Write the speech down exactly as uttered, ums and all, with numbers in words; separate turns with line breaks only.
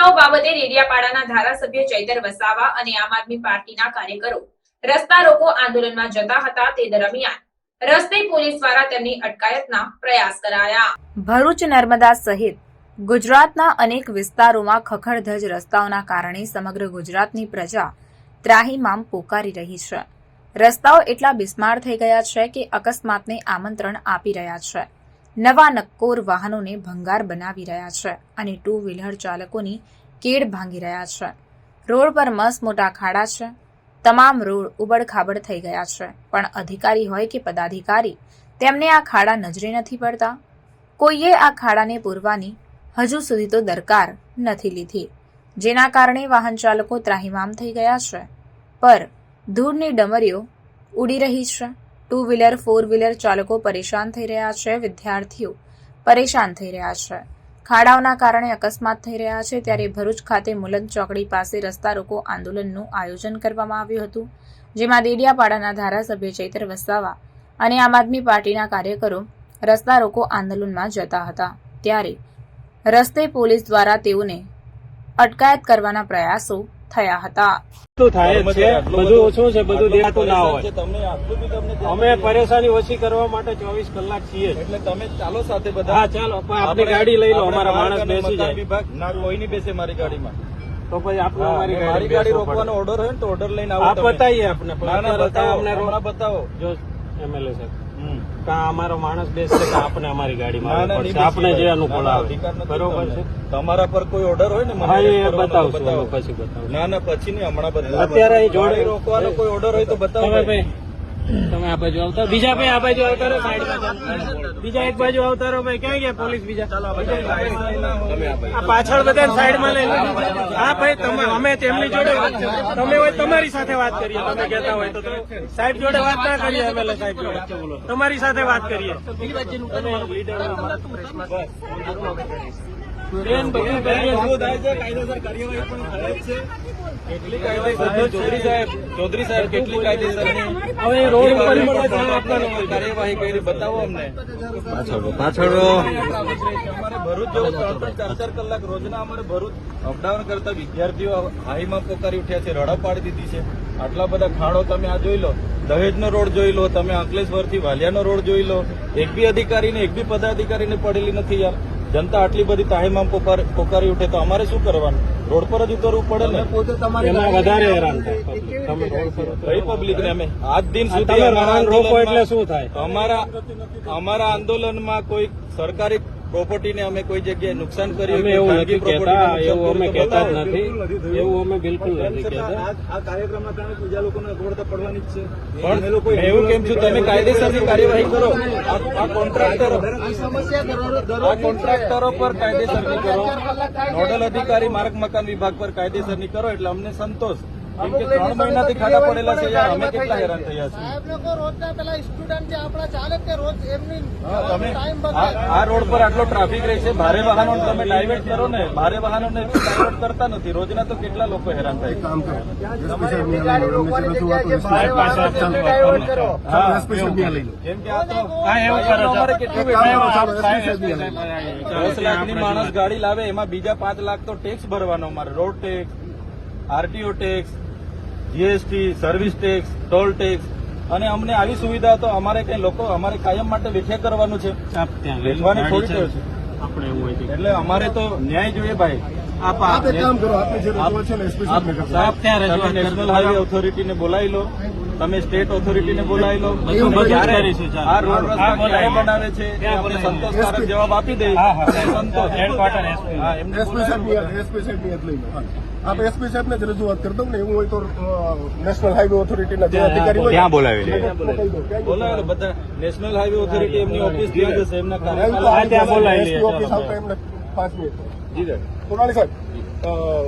બનાવ બાબતે ડેડિયાપાડાના ધારાસભ્ય ચૈતર વસાવા અને આમ આદમી પાર્ટીના કાર્યકરો રસ્તા રોકો આંદોલનમાં જતા હતા તે દરમિયાન રસ્તે પોલીસ દ્વારા તેમની અટકાયતના પ્રયાસ કરાયા। ભરૂચ નર્મદા સહિત ગુજરાતના અનેક વિસ્તારોમાં ખખડધજ રસ્તાઓના કારણે સમગ્ર ગુજરાતની પ્રજા ત્રાહિમામ પોકારી રહી છે। રસ્તાઓ એટલા બિસ્માર થઈ ગયા છે કે અકસ્માતને આમંત્રણ આપી રહ્યા છે। નવા નક્કોર વાહનોને ભંગાર બનાવી રહ્યા છે અને ટુ વ્હીલર ચાલકોની કેડ ભાંગી રહ્યા છે। રોડ પર મસ્ત મોટા ખાડા છે। તમામ રોડ ઉબડખાબડ થઈ ગયા છે, પણ અધિકારી હોય કે પદાધિકારી તેમને આ ખાડા નજરે નથી પડતા। કોઈએ આ ખાડાને પૂરવાની હજુ સુધી તો દરકાર નથી લીધી, જેના કારણે વાહન ચાલકો ત્રાહિમામ થઈ ગયા છે। પર ધૂળની ડમરીઓ ઉડી રહી છે। ટુ વ્હીલર ફોર વ્હીલર ચાલકો પરેશાન થઈ રહ્યા છે। વિદ્યાર્થીઓ પરેશાન થઈ રહ્યા છે। ખાડાઓના કારણે અકસ્માત થઈ રહ્યા છે। ત્યારે ભરૂચ ખાતે મુલંદ ચોકડી પાસે રસ્તા રોકો આંદોલનનું આયોજન કરવામાં આવ્યું હતું, જેમાં ડેડિયાપાડાના ધારાસભ્ય ચૈતર વસાવા અને આમ આદમી પાર્ટીના કાર્યકરો રસ્તા રોકો આંદોલનમાં જતા હતા। ત્યારે રસ્તે પોલીસ દ્વારા તેઓને અટકાયત કરવાના પ્રયાસો થયા હતા।
અમે પરેશાની ઓછી કરવા માટે ચોવીસ કલાક છીએ, એટલે તમે ચાલો સાથે બધા। હા ચાલો, આપની ગાડી લઈ લો, અમારા માણસ બેસી જાય। ના, કોઈ નહીં બેસે મારી ગાડીમાં, તો પછી આપણે અમારી મારી ગાડી રોકવાનો ઓર્ડર હોય ને તો ઓર્ડર લઈને આવો। આપ બતાવીએ આપણે, બતાવો બતાવો જો એમએલએ સાહેબ અમારો માણસ બેસશે કે આપણે અમારી ગાડીમાં આપણે જે અનુકૂળ આવે, બરોબર છે। તમારા પર કોઈ ઓર્ડર હોય ને બતાવશું, પછી બતાવો। ના ના પછી નહીં, હમણાં બતાવો। અત્યારે જોડે રોકવાનો કોઈ ઓર્ડર હોય તો બતાવો ભાઈ। તમે આ બાજુ આવતા, બીજા ભાઈ આ બાજુ આવતા રહો, સાઈડમાં બીજા એક બાજુ આવતા રહો ભાઈ। ક્યાં ગયા પોલીસ બીજા? આ પાછળ બધા સાઈડમાં લઈ લો। હા ભાઈ, તમે અમે તેમની જોડે તમે હોય તમારી સાથે વાત કરીએ, તમે કહેતા હોય તો સાહેબ જોડે વાત ના કરીએ, એમએલએ સાહેબ જોડે તમારી સાથે વાત કરીએ। ચૌધરી સાહેબ કેટલી કાયદેસરની હવે રોડ ઉપર કાર્યવાહી કરી બતાવો અમને। પાછળ અમારે ભરૂચ જવું ત્રણ ચાર ચાર કલાક રોજના અમારે ભરૂચ અપડાઉન કરતા વિદ્યાર્થીઓ હાઈમાં પોકારી ઉઠ્યા છે, રડા પાડી દીધી છે। આટલા બધા ખાડો તમે આ જોઈ લો, દહેજનો રોડ જોઈ લો, તમે અંકલેશ્વરથી વાલિયાનો રોડ જોઈ લો, એક બી અધિકારીને એક બી પદાધિકારીને પડેલી નથી યાર। જનતા આટલી બધી તાહીમામ પોકારી ઉઠે તો અમારે શું કરવાનું? રોડ પર જ ઉતરવું પડે ને, એમાં વધારે હેરાન થાય પબ્લિક ને। અમે આજ દિન સુધી રોકો એટલે શું થાય? અમારા અમારા આંદોલનમાં કોઈ સરકારી પ્રોપર્ટીને અમે કોઈ જગ્યાએ નુકસાન કર્યું એવું નથી કહેતા, એવું અમે કહેતા જ નથી, એવું અમે બિલકુલ નથી કહેતા। આ કાર્યક્રમના કારણે બીજા લોકોને અગવડતા પડવાની જ છે, પણ લોકો એવું કેમ છું તમે કાયદેસરની કાર્યવાહી કરો। આ કોન્ટ્રાક્ટરો આ કોન્ટ્રાક્ટરો પર કાયદેસરની કરો, નોડલ અધિકારી માર્ગ મકાન વિભાગ પર કાયદેસરની કરો, એટલે અમને સંતોષ। કેમ કે ત્રણ મહિનાથી ખાડા પડેલા છે યાર, અમે કેટલા હેરાન થયા છીએ। આ રોડ પર આટલો ટ્રાફિક રહે છે, ભારે વાહનો તમે ડાયવર્ટ કરો ને, ભારે વાહનોને ડાયવર્ટ કરતા નથી, રોજના તો કેટલા લોકો હેરાન થાય। કેમ કે આ તો અમારે કેટલી દસ લાખની માણસ ગાડી લાવે, એમાં બીજા પાંચ લાખ તો ટેક્સ ભરવાનો અમારે, road tax, RTO tax, GST, service tax, toll tax, અને અમને આવી સુવિધા તો અમારે કઈ લોકો અમારે કાયમ માટે વેઠ્યા કરવાનું છે, વેઠવાની થોડી છે આપણે, એટલે અમારે તો ન્યાય જોઈએ ભાઈ। નેશનલ હાઈવે ઓથોરિટીને બોલાવી લો, તમે સ્ટેટ ઓથોરિટીને બોલાવી લો, આ રોડ રસ્તા ક્યારે બનાવે છે અમને સંતોષકારક જવાબ આપી દે।
आप एसपी साहब ने रजूआत कर दो ने, એવું હોય તો નેશનલ હાઈવે ઓથોરિટીના જે અધિકારી હોય ત્યાં બોલાવી
બોલાવે બધા। નેશનલ હાઈવે ઓથોરિટી એમની ઓફિસ ત્યાં જશે, એમના કાર્યાલય ત્યાં બોલાવી લે।
ઓફિસ આવતા એમને પાંચ મિનિટ જી સોનાલી સાહેબ